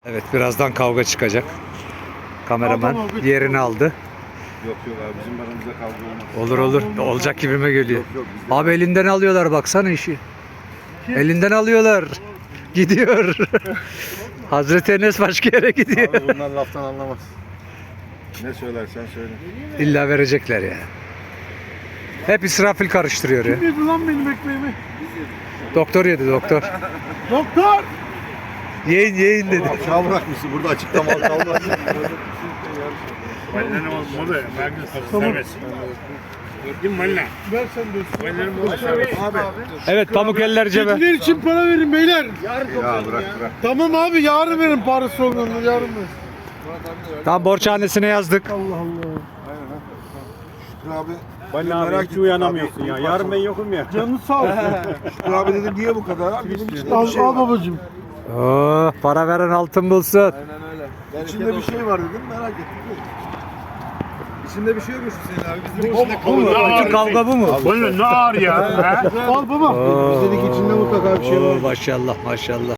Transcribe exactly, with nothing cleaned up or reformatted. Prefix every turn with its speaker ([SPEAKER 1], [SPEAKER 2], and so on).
[SPEAKER 1] Evet, birazdan kavga çıkacak. Kameraman yerini aldı.
[SPEAKER 2] Yok yok abi, bizim aramızda kavga olmaz.
[SPEAKER 1] Olur olur. Olacak gibime geliyor.
[SPEAKER 2] Yok yok bizde.
[SPEAKER 1] Abi elinden alıyorlar, baksana işi. Elinden alıyorlar. Gidiyor. Hazreti Enes başka yere gidiyor.
[SPEAKER 2] Abi bunlar laftan anlamaz. Ne söylersen söyle.
[SPEAKER 1] İlla verecekler ya. Hep İsrafil karıştırıyor ya.
[SPEAKER 3] Kim yedi lan benim ekmeğimi?
[SPEAKER 1] Doktor yedi, doktor.
[SPEAKER 3] Doktor!
[SPEAKER 1] Yiyin yiyin dedi.
[SPEAKER 2] Aşağı bırakmışsın, burada açıkta mal kalmaz.
[SPEAKER 4] Benden olmalı da ben serbest. Gördün mü anne?
[SPEAKER 3] Ver sen de.
[SPEAKER 4] Benden olmalı serbest.
[SPEAKER 2] Abi.
[SPEAKER 1] Evet, pamuk eller cebe.
[SPEAKER 3] Kediler için para verin beyler.
[SPEAKER 2] Ya bırak bırak.
[SPEAKER 3] Tamam abi yarın verin parası olduğunu yarın verin.
[SPEAKER 1] Tam borçhanesine yazdık.
[SPEAKER 3] Allah Allah.
[SPEAKER 2] Şükrü abi.
[SPEAKER 4] Bana abi hiç uyanamıyorsun ya. Yarın ben yokum ya.
[SPEAKER 3] Canın sağ olsun.
[SPEAKER 2] Şükrü abi dedim niye bu kadar abi? Benim içinde
[SPEAKER 3] al,
[SPEAKER 2] bir şey
[SPEAKER 3] al
[SPEAKER 2] var.
[SPEAKER 3] babacığım.
[SPEAKER 1] Oh, para veren altın bulsun.
[SPEAKER 2] İçinde bir şey var dedim, merak ettim. İçinde bir şey yokmuş Hüseyin abi. Bizim
[SPEAKER 1] Bu mu? Bütün kavga bu mu?
[SPEAKER 4] Bana ne ağır ya?
[SPEAKER 3] Al baba.
[SPEAKER 1] Oo,
[SPEAKER 2] Bizdeeki içinde mutlaka bir şey var.
[SPEAKER 1] oo, maşallah maşallah.